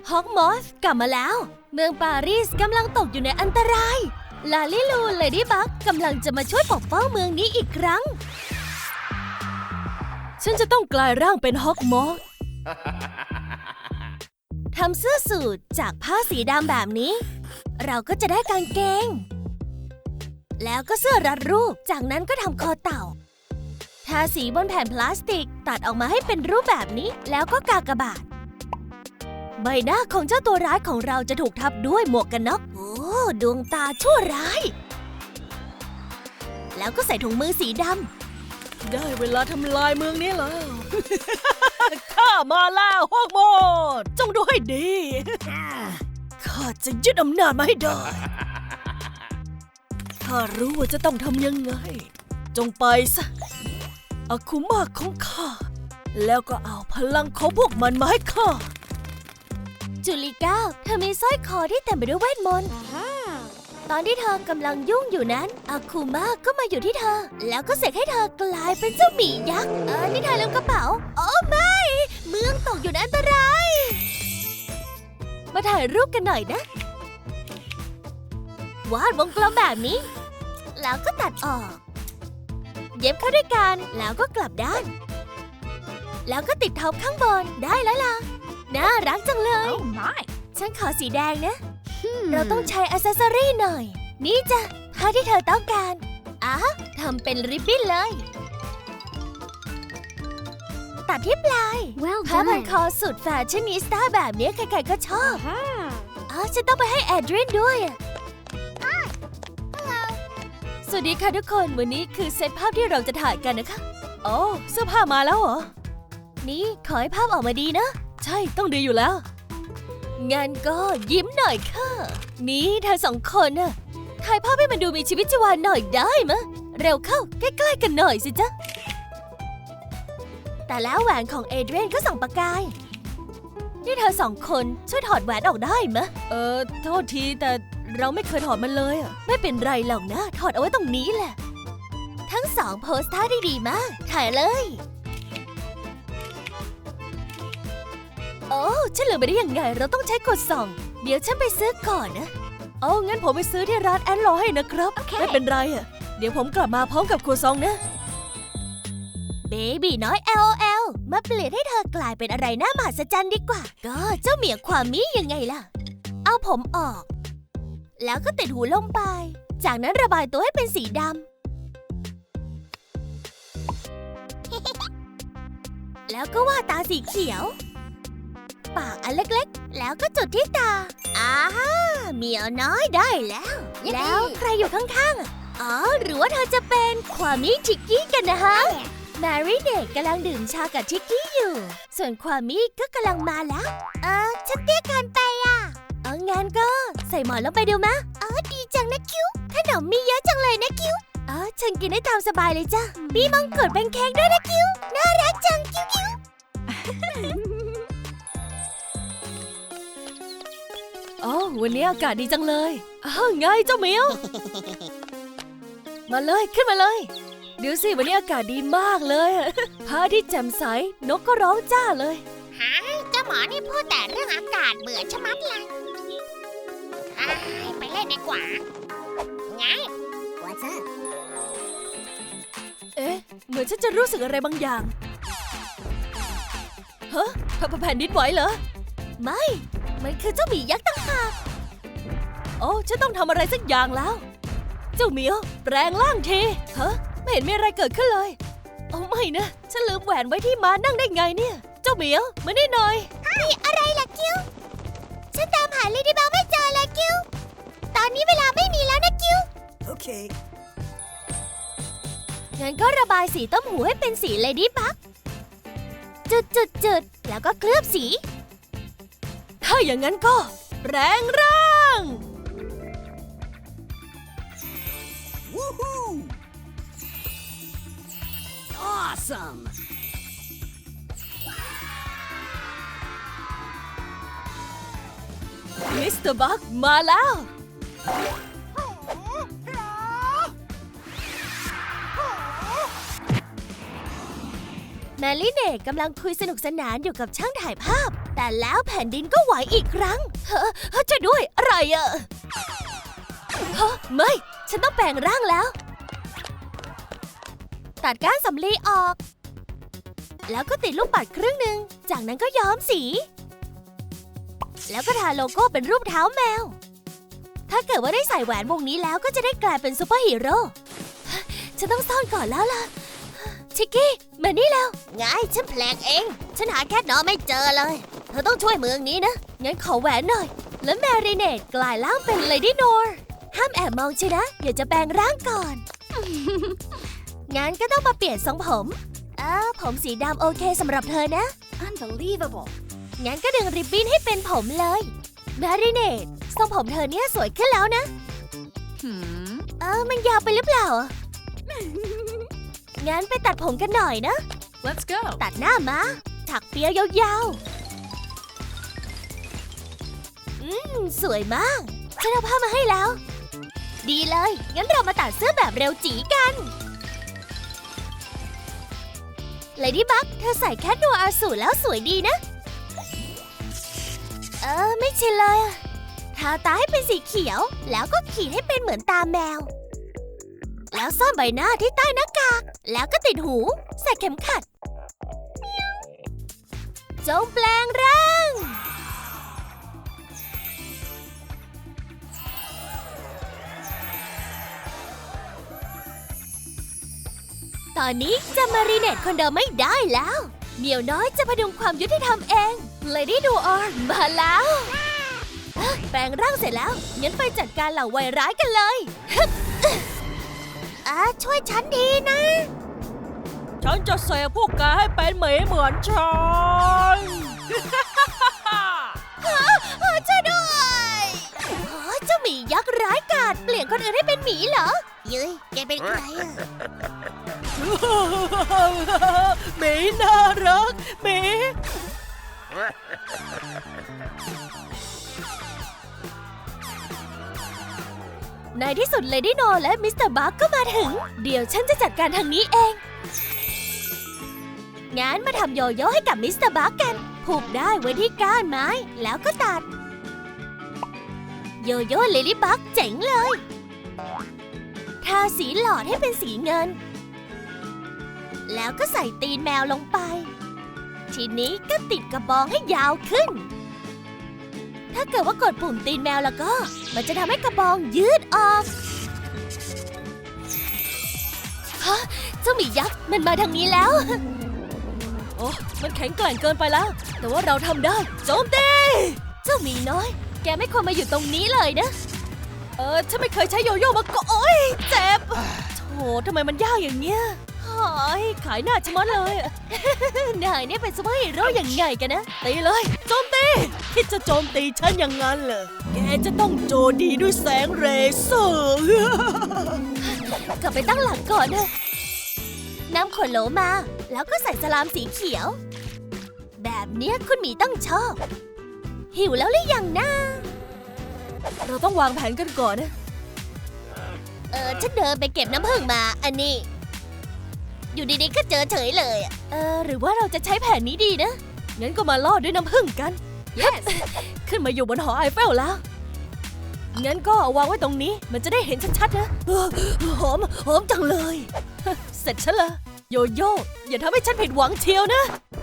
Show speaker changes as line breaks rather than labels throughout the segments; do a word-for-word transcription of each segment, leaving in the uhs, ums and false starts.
ฮอกมอสกลับมาแล้วเมืองปารีสกำลังตกอยู่ในอันตรายลาลิลูเลดี้บักกำลังจะมาช่วยปกป้องเมืองนี้อีกครั้งฉันจะต้องกลายร่างเป็นฮอกมอสทำเสื้อสูทจากผ้าสีดำแบบนี้เราก็จะได้กางเกงแล้วก็เสื้อรัดรูปจากนั้นก็ทำคอเต่าทาสีบนแผ่นพลาสติกตัดออกมาให้เป็นรูปแบบนี้แล้วก็กากบาทใบหน้าของเจ้าตัวร้ายของเราจะถูกทับด้วยหมวกกันน็อกโอ้ดวงตาชั่วร้ายแล้วก็ใส่ถุงมือสีดำได้เวลาทำลายเมืองนี้แล้ว ข้ามาแล้วฮอกมอสจงดูให้ดีข้าจะยึดอำนาจมาให้ได้ข้ารู้ว่าจะต้องทำยังไงจงไปซะอาคุมะของข้าแล้วก็เอาพลังของพวกมันมาให้ข้าจูลิก้าเธอมีสร้อยคอที่เต็มไปด้วยเวทมนต์ตอนที่เธอกำลังยุ่งอยู่นั้นอาคุมะก็มาอยู่ที่เธอแล้วก็เสกให้เธอกลายเป็นเจ้าหมียักษ์เออนี่เธอลืมกระเป๋าโอ้ไม่เมืองตกอยู่ในอันตรายมาถ่ายรูปกันหน่อยนะวาดวงกลมแบบนี้แล้วก็ตัดออกเย็บเข้าด้วยกันแล้วก็กลับด้านแล้วก็ติดท็อปข้างบนได้แล้วล่ะน่ารักจังเลย
Oh my
ฉันขอสีแดงนะ hmm. เราต้องใช้อ c เซสซอรี่หน่อยนี่จ้ะผ้าที่เธอต้องการอ่ะทำเป็นริบบิ้นเลยตัดที่ปลาย
well
ผ้าพันคอสุดแฟชั่นนิสต้าแบบนี้ใครๆก็ชอบอ๋อฉันต้องไปให้แอดรีนด้วยสวัสดีค่ะทุกคนวันนี้คือเซตภาพที่เราจะถ่ายกันนะคะโอ้เสื้อผ้ามาแล้วเหรอนี่ขอให้ภาพออกมาดีนะใช่ต้องดีอยู่แล้วงั้นก็ยิ้มหน่อยค่ะนี่เธอสองคนน่ะถ่ายภาพให้มันดูมีชีวิตชีวาหน่อยได้มะเร็วเข้าใกล้ๆกันหน่อยสิจ๊ะแต่แล้วแหวนของเอเดรียนก็ส่องประกายนี่เธอสองคนช่วยถอดแหวนออกได้มะเออโทษทีแต่เราไม่เคยถอดมันเลยอ่ะไม่เป็นไรหรอกนะถอดเอาไว้ตรงนี้แหละทั้งสองโพสท่าได้ดีมากถ่ายเลยโอ้ฉันลืมไปได้ยังไงเราต้องใช้กดส่องเดี๋ยวฉันไปซื้อก่อนนะโอ้งั้นผมไปซื้อที่ร้านแอนรอให้นะครับ okay. ไม่เป็นไรอ่ะเดี๋ยวผมกลับมาพร้อมกับครัวซองนะเบบี้น้อย แอล โอ แอล มาเปลี่ยนให้เธอกลายเป็นอะไรน่ามหัศจรรย์ดีกว่าก็เจ้าเหมียความมียังไงล่ะเอาผมออกแล้วก็ติดหูลงไปจากนั้นระบายตัวให้เป็นสีดำ แล้วก็วาดตาสีเขียวปากอันเล็กๆแล้วก็จุดที่ตาอ้าเหมียวน้อยได้แล้วแล้วใครอยู่ข้างๆอ๋อหรือว่าเธอจะเป็นความมิทิกกี้กันนะฮะแมรี่เด็กกำลังดื่มชากับทิกกี้อยู่ส่วนความมิก็กำลังมาแล้วเออฉันเตี้ยเกินไปอ่ะเอองั้นก็ใส่หมอนลงไปดูมะเออดีจังนะคิวขนมมีเยอะจังเลยนะคิวเออฉันกินได้ตามสบายเลยจ้ะมีมังกรเป็นเค้กด้วยนะคิวน่ารักจังคิวคิว โอ้วันนี้อากาศดีจังเลยอ้าวไงเจ้าเหมียว มาเลยขึ้นมาเลยเดี๋ยวสิวันนี้อากาศดีมากเลยพระอาทิตย์แจ่มใสนกก็ร้องจ้าเลย
ฮะเจ้าหมอนี่พูดแต่เรื่องอากาศเบื่อชะมัดเลยไปเล่นดีกว่าไง What's up
เอ๊ะเหมือนฉันจะรู้สึกอะไรบางอย่างฮะแผ่นดินไหวเหรอไม่มันคือเจ้าหมียักษ์ต่างหากโอ้ฉันต้องทำอะไรสักอย่างแล้วเจ้าเหมียวแปลงร่างทีฮะไม่เห็นมีอะไรเกิดขึ้นเลยโอ้ไม่นะฉันลืมแหวนไว้ที่ม้านั่งได้ไงเนี่ยเจ้าเหมียวมานี่หน่อยนี่อะไรล่ะคิวฉันตามหาเลดี้บักไม่เจอเลยคิวตอนนี้เวลาไม่มีแล้วนะคิวโอเคงั้นก็ระบายสีต้มหูให้เป็นสีเลดี้บักจุดจุดจุดแล้วก็เคลือบสีถ้าอย่างนั้นก็แรงร่างวู้ฮู้ Awesome มิสเตอร์บัคมาแล้วแมรี่เนตกำลังคุยสนุกสนานอยู่กับช่างถ่ายภาพ แต่แล้วแผ่นดินก็ไหวอีกครั้งเฮ้อจะด้วยอะไรอะเฮ้อไม่ฉันต้องแปลงร่างแล้ว ตัดก้านสำลีออก แล้วก็ติดลูกปัดครึ่งหนึ่งจากนั้นก็ย้อมสี แล้วก็ทาโลโก้เป็นรูปเท้าแมว ถ้าเกิดว่าได้ใส่แหวนวงนี้แล้วก็จะได้กลายเป็นซูเปอร์ฮีโร่ฉันต้องซ่อนก่อนแล้วล่ะชิกกี้มานี่แล้วไงฉันแปลกเองฉันหาแคทนอไม่เจอเลยเธอต้องช่วยเมืองนี้นะงั้นขอแหวนหน่อยแล้วแมรีเนตกลายร่างเป็นเลดี้โนร์ห้ามแอบมองชินะเดี๋ยวจะแปลงร่างก่อน งั้นก็ต้องมาเปลี่ยนทรงผมเออผมสีดำโอเคสำหรับเธอนะ
Unbelievable
งั้นก็ดึงริบบิ้นให้เป็นผมเลยแมรีเนตทรงผมเธอเนี่ยสวยขึ้นแล้วนะ
Hmm
เออมันยาวไปหรือเปล่า งั้นไปตัดผมกันหน่อยนะ
Let's go
ตัดหน้ามาถักเปียยาวๆอืมสวยมากฉันเอาผ้ามาให้แล้ว ดีเลยงั้นเรามาตัดเสื้อแบบเร็วจีกันเลดี้บัคเธอใส่แคทนัวอาสูรแล้วสวยดีนะ เออไม่ใช่เลยอะทาตาให้เป็นสีเขียวแล้วก็ขีดให้เป็นเหมือนตาแมวแล้วซ่อนใบหน้าที่ใต้หน้ากากแล้วก็ติดหูใส่เข็มขัดจงแปลงร่างตอนนี้จะมารีเนตคนเดิมไม่ได้แล้วเหมียวน้อยจะพดุงความยุติธรรมเองเลดี้ดูออนมาแล้วแปลงร่างเสร็จแล้วงั้นไปจัดการเหล่าวัยร้ายกันเลยอ่าช่วยฉันดีนะ
ฉันจะเสกพวกแกให้เป็นหมีเหมือนฉัน
ช่วยด้วยโอ้เจ้าหมียักษ์ร้ายกาจเปลี่ยนคนอื่นให้เป็นหมีเหรอยุ้ยแกเป็นใครอะ
หมีน่ารักหมี
ในที่สุดเลดี้โนและมิสเตอร์บัคก็มาถึงเดี๋ยวฉันจะจัดการทางนี้เองงั้นมาทำโยโย่ให้กับมิสเตอร์บัคกันผูกได้ไว้ที่ก้านไม้แล้วก็ตัดโยโย่เลดี้บัคเจ๋งเลยทาสีหลอดให้เป็นสีเงินแล้วก็ใส่ตีนแมวลงไปทีนี้ก็ติดกระบองให้ยาวขึ้นถ้าเกิดว่ากดปุ่มตีนแมวแล้วก็มันจะทำให้กระบองยืดออกฮะเจ้าหมียักษ์มันมาทางนี้แล้ว
โอ้มันแข็งแกร่งเกินไปแล้วแต่ว่าเราทำได้โจมตี
เจ้าหมีน้อยแกไม่ควรมาอยู่ตรงนี้เลยนะ
เออฉันไม่เคยใช้โยโย่มาก่อนโอ๊ยเจ็บโธ่ทำไมมันยากอย่างเงี้ยหายขายหน้าชะมัดเลย
นายเนี่ยเป็นซูเปอร์ฮีโร่ยังไงกันนะ
ตีเลยโจมตีคิดจะโจมตีฉันอย่างนั้นเหรอแกจะต้องโจมตีด้วยแสงเรเซอร์
กลับไปตั้งหลักก่อนนะนำขวดโหลมาแล้วก็ใส่สลามสีเขียว แบบเนี้ยคุณหมีต้องชอบ หิวแล้วหรือยังนะ
เราต้องวางแผนกันก่อนนะ
เออฉันเดินไปเก็บน้ำผึ้งมาอันนี้ อยู่ดีๆก็เจอเฉยเลยอะเออหรือว่าเราจะใช้แผนนี้ดีนะ
งั้นก็มาล่อด้วยน้ำผึ้งกัน
yes
ขึ้นมาอยู่บนหอไอเฟลแล้ว งั้นก็วางไว้ตรงนี้มันจะได้เห็นชัดๆนะเออหอมหอมจังเลย เสร็จฉันละโยโย่อย่าทำให้ฉันผิดหวังเชียวนะ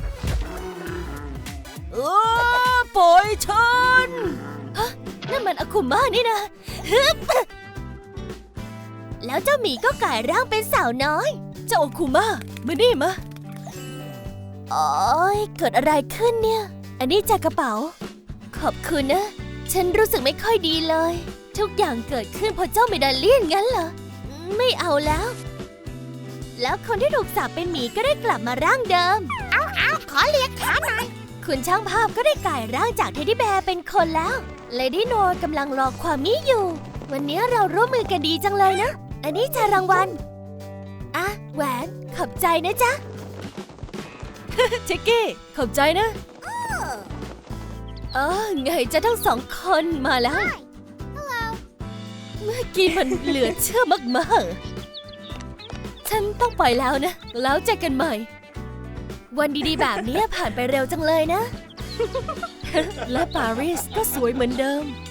เออปล่อยฉัน
นั่นมันอาคุม่านี่นะฮึบแล้วเจ้าหมีก็กลายร่างเป็นสาวน้อย
เจ้าโอคุมามานี่มา
โอ๊ยเกิดอะไรขึ้นเนี่ย อันนี้จากกระเป๋า ขอบคุณนะ ฉันรู้สึกไม่ค่อยดีเลย ทุกอย่างเกิดขึ้นเพราะเจ้าเมดาเลียนงั้นเหรอ ไม่เอาแล้ว แล้วคนที่ถูกสาปเป็นหมีก็ได้กลับมาร่างเดิม เอาเอาขอเลียขาหน่อย คุณช่างภาพก็ได้กลายร่างจากเทดดี้แบร์เป็นคนแล้ว เลดี้โนกำลังรอความนี้อยู่ วันนี้เราร่วมมือกันดีจังเลยนะ อันนี้จะรางวัลอ่ะแหวนขอบใจนะจ๊ะ
เจกกี้ขอบใจนะ
เออไงจะทั้งสองคนมาแล้ว เมื่อกี้มันเหลือเชื่อมากๆฉันต้องไปแล้วนะ แล้วเจอกันใหม่วันดีๆแบบนี้ผ่านไปเร็วจังเลยนะ
และปารีสก็สวยเหมือนเดิม